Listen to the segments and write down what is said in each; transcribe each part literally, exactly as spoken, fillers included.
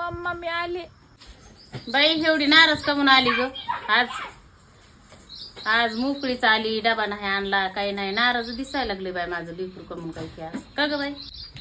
Mamma मी आले. बाई एवढी नाराज कमून आली ग आज? आज मोकळीच आली, डबा नाही आणला, काही नाही, नाराज दिसायला लागले बाई माझं लेकरू कमून काही की आज का ग बाई?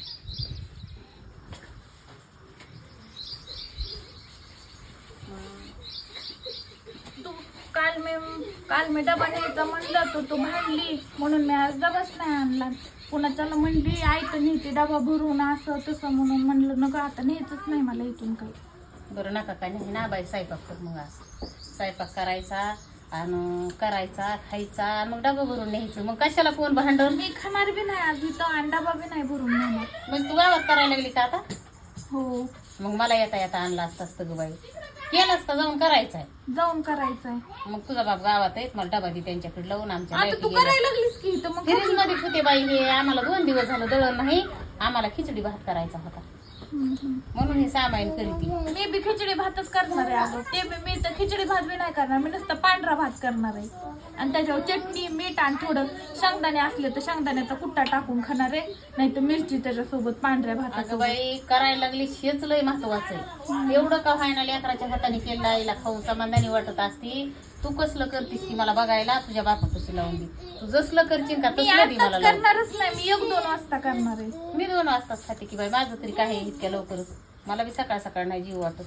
तू काल मी काल मी डबा न्यायचा म्हणलं तर तू भांडली म्हणून मी आज डबाच नाही आणला. पुन्हा त्याला म्हणली आई तर नेते डबा भरून असं तसं म्हणून म्हणलं नका आता न्यायचंच नाही मला इथून काही. बरं नका काय नाही ना बाई, स्वयंपाक कर मग. आज स्वयंपाक करायचा आणि करायचा खायचा आणि मग डबा भरून न्यायचं. मग कशाला कोण भांडण? मी खाणार बी नाही आज इथं आणि डबा बी नाही भरून नेणार. मग तू गावात करायला लागली का आता? हो मग मला येता येता आणला असतं असतं ग बाई. केलंच का जाऊन करायचंय? जाऊन करायचंय. मग तुझा बाप गावात आहे, मला डबा दे त्यांच्याकडे लावून. आमच्या आता तू करायला लागलीस की इथं मग फ्रीज मध्ये होते बाई हे. आम्हाला दोन दिवस झालं दळण नाही, आम्हाला खिचडी भात करायचा होता म्हणून हे सामाईन करीती. मी बी खिचडी भातच करणार आहे अगं. ते बी मी तर खिचडी भात बी नाही करणार, मी नुसतं पांढरा भात करणार आहे आणि त्याच्यावर चटणी मीठ आणि थोडं शेंगदाणे असले तर शेंगदाण्याचा कुट्टा टाकून खाणार आहे, नाही तर मिरची त्याच्यासोबत पांढऱ्या अगं भातासोबत. बाई करायला लागली हेच लय महत्वाचं आहे. एवढं का व्हायना लेकराच्या हाताने केलं आईला खाऊ समाधानी वाटत असती. तू कसलं करतीस की मला बघायला तुझ्या बापापाशी लावून दे. तू जसलं करशील का मी तसलं दे मला आताच लावून. करणारच नाही, मी एक दोन वाजता करणार आहे. मी दोन वाजताच खाते की बाई, माझं तरी काय आहे इतक्या लवकरच. मला बी सकाळ सकाळ नाही जीव वाटत.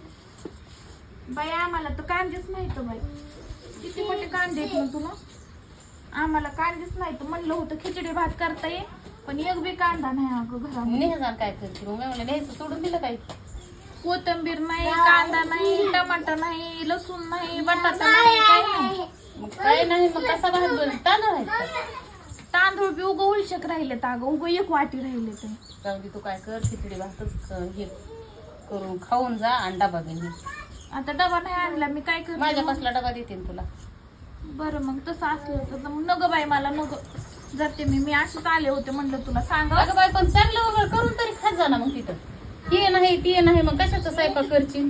बाई आम्हाला तर कांदेच नाही तर बाई, किती मोठे कांदे आहेत ना तुला. आम्हाला कांदेच नाही तर म्हणलं होतं खिचडी भात करता ये, पण एक बी कांदा नाही अगं घरामध्ये. नेहजान काय करते मग? मी म्हणलं न्यायचं सोडून दिलं काही? कोथिंबीर नाही, कांदा नाही, टमाटर नाही, लसूण नाही, बटाटा नाही, काही नाही. मग काय नाही, मग कसा भात बनवून तांदूळ आहेत का? तांदूळ बी उगं उलशक राहिले तर अगं उगं एक वाटी राहिले ते. जाऊ दे, तू काय कर खिचडी भातच क- हे करून खाऊन जा आणि डबा घेऊन ये. आता डबा नाही आणला मी काय करते माझ्या मग? कसला डबा देते ना तुला? बरं मग तसं असलं तर मग नग बाई मला नग जाते मी मी अशीच आले होते म्हणलं तुला सांगा. अगं बाई पण चांगलं वगैरे करून तरी खात जा ना मग तिथं. ते नाही ते नाही मग कशाचा स्वयंपाक करशील?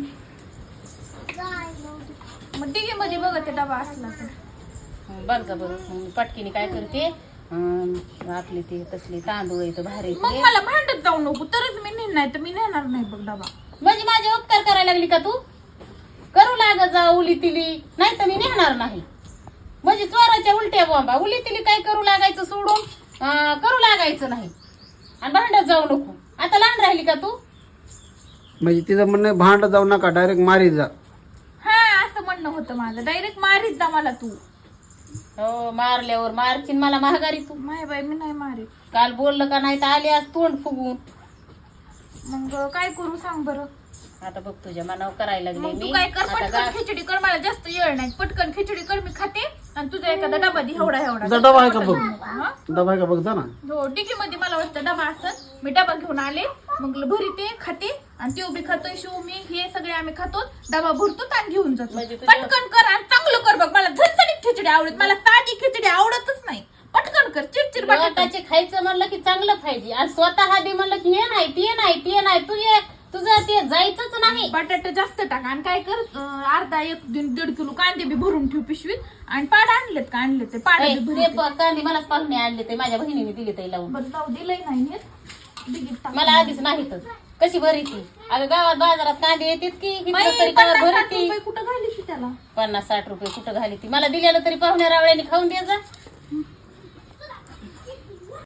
मग डिगी मध्ये बघ ते डबा असला तर. हं, बघ जा बरं. मग पटकीने काय करते अं, आपले ते तसले तांदूळ येतं भारी मग ते. मला भांडत जाऊ नको तरच मी नेणार, तर मी नेणार नाही बघ डबा. म्हणजे माझे उपकार करायला लागली का तू? करू लागत जा उली तिली, नाही तर मी नेणार नाही. म्हणजे चोराच्या उलट्या बॉम्बा. उली तिली काय करू लागायचं सोडून अं, करू लागायचं नाही आणि भांडत जाऊ नको. आता लहान राहिली का तू? म्हणजे तिचं म्हणणं भांड जाऊ नका, डायरेक्ट मारी जा. हा असं म्हणणं होतं माझं. डायरेक्ट मारीत जा मला तू. हो मारल्यावर मारशील मला महागारी तू. माय बाई मी नाही मारीत. काल बोललं का नाही तर आली आज तोंड फुगून. मग काय करू सांग बरं. आता बघ तुझ्या मनावर करायला लागले मग मी. तू काय कर, आता पटकन गा- खिचडी कर, मला जास्त येळ नाही. पटकन खिचडी कर, मी खाते आणि तुझा एखादा डबा दे एवढा एवढा. तुझा डबा आहे का बघ? हा? डबा आहे का बघ जा ना. हो डिगी मध्ये मला वाटतं डबा असत. मी डबा घेऊन आले मग भरीते खाते आणि ते उभी खातोय शिव मी हे सगळे आम्ही खातो. डबा भरतो आणि घेऊन जातो. म्हणजे तुझ्या- पटकन कर आणि चांगलं कर बघ. मला झणझणीत खिचडी आवडत, मला ताजी खिचडी आवडतच नाही. पटकन कर. चिडचिड बटाटा. लोकांचे खायचं म्हणलं की चांगलं पाहिजे आणि स्वतः आधी म्हणलं की हे नाही ते नाही ते नाही तू ये तुझं ते जायचंच नाही. बटाटे जास्त टाक आणि काय कर अं, अर्धा एक दीड दीड किलो कांदे बी भरून ठेव पिशवीत आणि पाड आणलेत का आणले ते पाड ऐ, बी ते भरून प- कांदे मलाच पाहुणे आणले ते माझ्या बहिणीने दिले ते लावून. बरं जाऊ दिलंय नाही नेत. डिगीत टाक. मला आधीच नाहीतच. कशी भरी ती? अगं गावात बाजारात कांदे येतात की इकडं बाई, तरी काय पन्नास भरी साठ ती? रुपये कुठं घालीस त्याला. पन्नास साठ रुपये कुठं घाली ती? मला दिलेलं तरी पाहुण्या रावळ्याने खाऊन द्यायचा.